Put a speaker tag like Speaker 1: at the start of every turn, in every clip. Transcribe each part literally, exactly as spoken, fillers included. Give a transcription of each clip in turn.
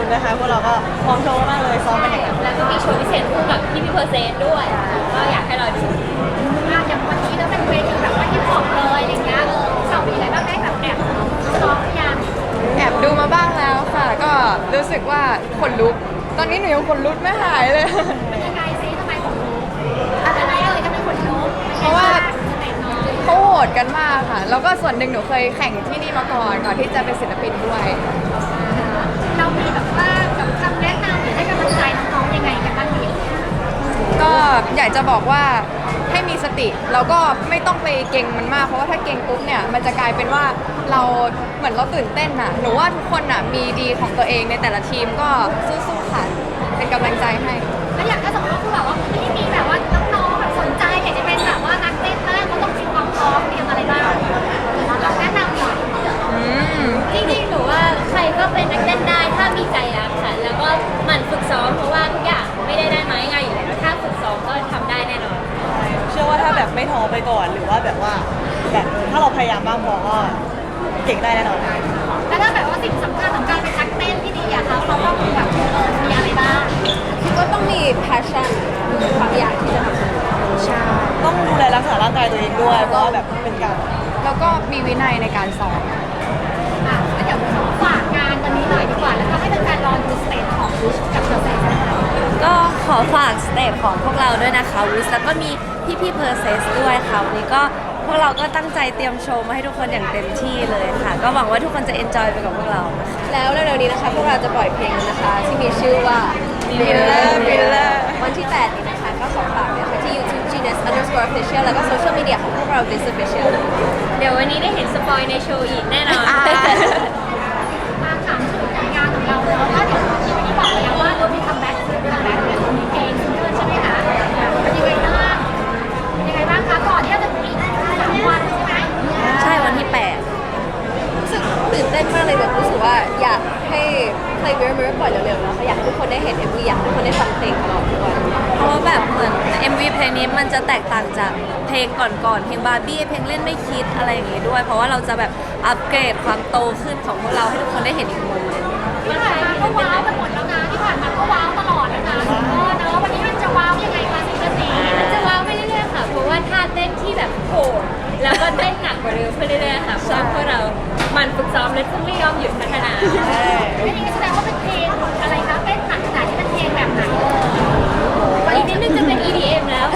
Speaker 1: คุณนะคะพวกเราก็พร้อมโชว์มากเลยซ้อมกันอย่างหนัก
Speaker 2: แล้วก็มีโชว์พิเศษคู่กับพี่พี่เพอร์เซนต์ด้วยก็อยากให้เราดู
Speaker 3: อย่างวันนี้แล้วเป็นเวทีแบบว่าฮิปฮอปเลยอย่างเงี้ยเออเรามีอะไรบ้างได้แบบแอบซ้อมหรือยัง
Speaker 4: แอบดูมาบ้างแล้วค่ะ ก็รู้สึกว่าขนลุกตอนนี้หนูยังขนลุกไม่หายเลย
Speaker 3: เป็นยังไงซิทำไมขนลุกอะไรเอ่ยทำไมขนลุก
Speaker 4: เพราะว่า
Speaker 3: ไหนน้อง
Speaker 4: เขาโหดกันมากค่ะ แล้วก็ส่วนหนึ่งหนูเคยแข่งที่นี่มาก่อนก่อนที่จะเป็นศิลปินด้วย
Speaker 3: เรามีแบบว่าแบบคำแนะนำหรือให้กำลังใจน้องๆยังไงกันบ้างดี
Speaker 4: ก็อยากจะบอกว่าให้มีสติแล้วก็ไม่ต้องไปเก่งมันมากเพราะว่าถ้าเก่งปุ๊บเนี่ยมันจะกลายเป็นว่าเราเหมือนเราตื่นเต้นน่ะหนูว่าทุกคนน่ะมีดีของตัวเองในแต่ละทีมก็สู้ๆค่ะเป็นกำลังใจให้
Speaker 3: แล้วอย่างถ้าสมมติว่าคุณแบบว่าไม่ได้มีแบบว่าน้องๆแบบสนใจอยากจะเป็นแบบว่านักเต้นบ้างเขาต้องมีความพร้อมเตรียมอะไรบ้างเราแนะนำหน่อย
Speaker 4: อืม
Speaker 2: จริงๆหนูว่าใครก็เป็นนักเต้นได้ถ้ามีใจรักค่ะแล้วก็หมั่นฝึกซ้อมเพราะว่าทุกอย่างไม่ได้ได้มาง่ายๆอยู่แล้วถ้าฝึกซ้อมก็ทำได้แน่นอน
Speaker 1: เชื่อว่าถ้าแบบไม่ท้อไปก่อนหรือว่าแบบว่าแบบถ้าเราพยายามมากพอก็เก่งได้แน่นอน
Speaker 3: แล้วถ้าแบบว่าสิ่งสำคัญของการเป็นนักเต้นที่ดีอะคะเราต้องแบบเออมีอะไรบ้าง
Speaker 4: ก็ต้องมี passion ความอยากที่จะทำใช่
Speaker 1: ต้องดูแลรักษาร่างกายตัวเองด้วยเพราะว่าแบบเป็นการ
Speaker 4: แล้วก็มีวินัยในการซ้อม
Speaker 3: อ่ะแล้วเดี๋ยวขอฝากงานวันนี้หน่อยดีกว่าแล้วก็ให้เป็นการรอดูสเตจของกับเซอร์เซนนะคะ
Speaker 2: ก็ขอฝากสเตจของพวกเราด้วยนะคะวิสแล้วก็มีพี่พี่เพอร์เซสด้วยค่ะวันนี้ก็พวกเราก็ตั้งใจเตรียมโชว์มาให้ทุกคนอย่างเต็มที่เลยค่ะ ก็หวังว่าทุกคนจะเอนจอยไปกับพวกเรานะคะ
Speaker 4: แล้วเร็วๆนี้นะคะพวกเราจะปล่อยเพลงนะคะ ที่มีชื่อว่า Miller Miller วันที่ แปด นี้นะคะก็ขอฝากเลยค่ะที่ YouTube Genius underscore official แล้วก็โซเชียลมีเดียของพวกเรา This Official
Speaker 2: เดี๋ยววันนี้ได้เห็นสปอยในโชว์อีกแน่นอน
Speaker 4: อ่า
Speaker 3: มาถามถึงผลงานของเราแล้วก็เดี๋ยวที่วันนี้บอกแล้วว่าเรามีคัมแบ็กคัมแบ็กเนี่ยมีเพลงซิงเกิลใช่ไหมคะเป็นยังไงบ้างเป็นยังไงบ้างคะก่อนที่จะถึงอีกสามวันใช่ไหม
Speaker 2: ใช่วันที่แปด
Speaker 4: รู้สึกตื่นเต้นมากเลยแบบรู้สึกว่าอยากให้เพลง Mirror Mirror ปล่อยเร็วๆแล้วค่ะอยากให้ทุกคนได้เห็น เอ็ม วี อยากให้ทุกคนได้ฟังเพลงของเราทุกวัน
Speaker 2: เพราะว่าแบบเหมือน เอ็ม วี เพลงนี้มันจะแตกต่างจากเพลงก่อนๆเพลงบาร์บี้เพลงเล่นไม่คิดอะไรอย่างงี้ด้วย เพราะว่าเราจะแบบอัปเกรดความโตขึ้นของพวกเราให้ทุกคนได้เห็นอีกมุมหนึง
Speaker 3: ที่ผ่านมาก็ว้าวไปหมดแล้วนะที่ผ่านมาก็ว้าวตลอดแล้วนะเออเนอะวันนี้มันจะว้าวยังไงคะซิงเกิลนี้
Speaker 2: มันจะว้าวไปเรื่อยๆค่ะ เพราะว่าท่าเต้นที่แบบโหดแล้วก็เต้นหนักกว่าเดิมขึ้นเรื่อยๆค่ะเพราะว่าพวกเราหมันฝึกซ้อมและไม่ยอมหยุดพัฒนา
Speaker 3: ไม่ได้แสดงว่าเป็นเพลงอะไรคะเต้นหนักขนาดที่เป็นเพลงแบบไหนเออ
Speaker 2: อีกนิดนึงจะเป็น อี ดี เอ็ม แล้ว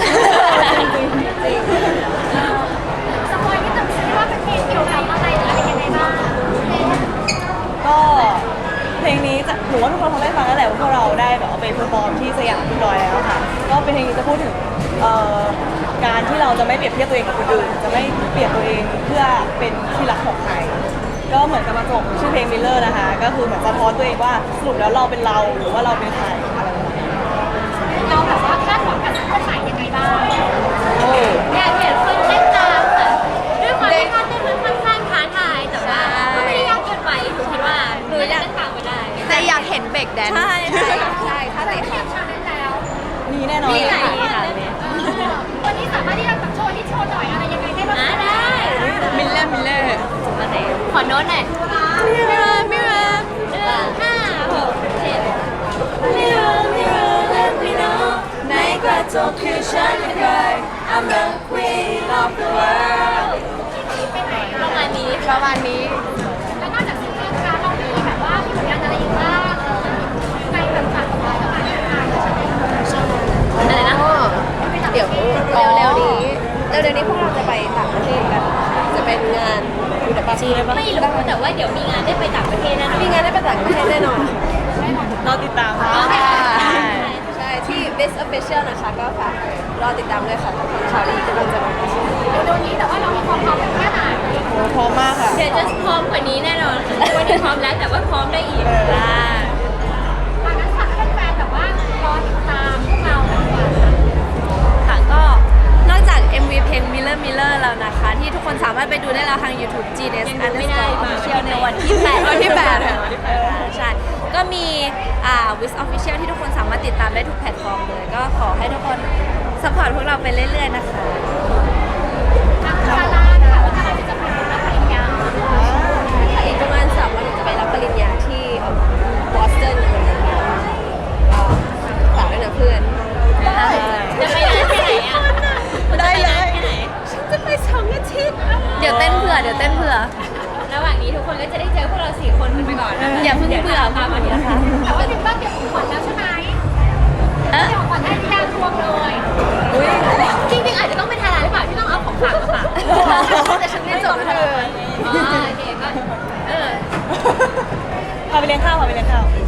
Speaker 3: สปอยนิดนึงซิว่าเป็นเพลงเกี่ยวกับอะไรหรืออะไรยังไงบ้าง
Speaker 1: ก็เพลงนี้จะหนูว่าทุกคนคงได้ฟังแล้วแหละว่าพวกเราได้แบบเอาไปเพอร์ฟอร์มที่สยามเรียบร้อยแล้วค่ะก็เป็นเพลงนี้จะพูดถึงเอ่อการที่เราจะไม่เปรียบเทียบตัวเองกับคนอื่นจะไม่เปรียบตัวเองเพื่อเป็นที่รักของใครก็เหมือนกับมาจบชื่อเพลง Miller นะคะก็คือเหมือนสะท้อนตัวเองว่าสรุปแล้วเราเป็นเราหรือว่าเราเป็นใครอะไรประมาณนี้
Speaker 3: เราแบบว่าคาดหวังกับซิงเกิลใหม่ยังไงบ้าง
Speaker 1: โอ้
Speaker 2: อยากเห็นคนเต้นตามค่ะด้วยความที่ท่าเต้นมันค่อนข้างท้าทายแต่ว่าก็ไม่ได้ยากเกินไปหนูคิดว่าหนูอยากเต้นตามก็ได้
Speaker 4: แต่อยากเห็นเบรกแดน
Speaker 2: ใช่ใช่
Speaker 4: ใช่ถ้า
Speaker 3: แต่
Speaker 4: เตะ
Speaker 3: เทียบชาเลนจ์แล้ว
Speaker 1: มีแน่นอน
Speaker 2: มีหลาย
Speaker 1: ค่ะ
Speaker 2: ค่ะ
Speaker 3: วันนี้สามารถที่จะแบบโชว์ที่โชว์หน่อยอะไรยังไงได้บ้าง
Speaker 2: อ่าได้
Speaker 4: มิลเลอร์มิลเลอร์
Speaker 2: มาไหนขอโน้ตหน่อย Mirror Mirror หนึ่งห้าหกเจ็ด Mirror Mirror let me know ในกระจกคือฉันเคย I'm the queen of the world
Speaker 3: ไปไหน
Speaker 2: ประมาณนี้
Speaker 4: ประมาณนี้
Speaker 3: แล้วนอกจากซิงเกิลนะคะเรามีแบบว่ามีผลงานอะไรอีกบ้างเออไปแบบฝากของเราประมาณนี้ค่ะ
Speaker 2: อะไรนะ
Speaker 4: เดี๋ยวเร็วๆนี้เร็วๆนี้พวกเราจะไปต่างประเทศกัน จะเป็นงานบูดาเปสต์
Speaker 2: ไม่รู้แต่ว่าเดี๋ยวมีงานได้ไปต่างประเทศแน่นอน
Speaker 4: มีงานได้ไปต่างประเทศแน่นอน
Speaker 1: เราติดตามค่ะ
Speaker 4: ใช่ที่ This Official นะคะก็ฝากรอติดตามด้วยค่ะข่าวดีกำลังจะมา
Speaker 3: เดี๋ยวนี้แต่ว่าเรามีความพร้อมกันแค่ไหน
Speaker 1: โอ้พร้อมมากค่ะ
Speaker 2: เดี๋ยวจะพร้อมกว่านี้แน่นอนค่ะวันนี้พร้อมแล้วแต่ว่าพร้อมได้อีกค่ะ
Speaker 3: ตอนนั้นฝากให้แฟนๆแบบว่ารอติดตามพวกเราดีกว่า
Speaker 2: ค่ะก็นอกจาก เอ็ม วี เพลง Miller Miller แล้วนะคะ ที่ทุกคนสามารถไปดูได้แล้วทาง YouTube จี เนส underscore official ในวันที่แปด
Speaker 4: วันที่แปด
Speaker 2: ใช่ก็มีอ่า Wiz Official ที่ทุกคนสามารถติดตามได้ทุกแพลตฟอร์มเลย ก็ขอให้ทุกคนสปอร์ตพวกเราไปเรื่อยๆนะคะ
Speaker 3: ทางดาราค่ะว่าเราจะไปรับปริญญา
Speaker 4: อีกประมาณสามวันหนูจะไปรับปริญญาที่บอสตันอเมริก
Speaker 2: คนก็จะได้เจอพวกเราสี่คนกันไปก่อนนะคะ
Speaker 4: อย่าเพิ่งเบื่อ
Speaker 2: ตามมาทีละครั้ง
Speaker 3: แต่ว่าถึงบ้านเก็บของขวัญแล้วใช่ไหมเก็บของขวัญให้ที่ยารวมเลย
Speaker 2: อุ้ยจริงๆอาจจะต้องเป็นทาราหรือเปล่าที่ต้องเอาของฝากมาฝากแต่ฉันไม่จบเลยอ๋อโอเคก็เออ
Speaker 1: พาไปเลี้ยงข้าวพาไปเลี้ยงข้าว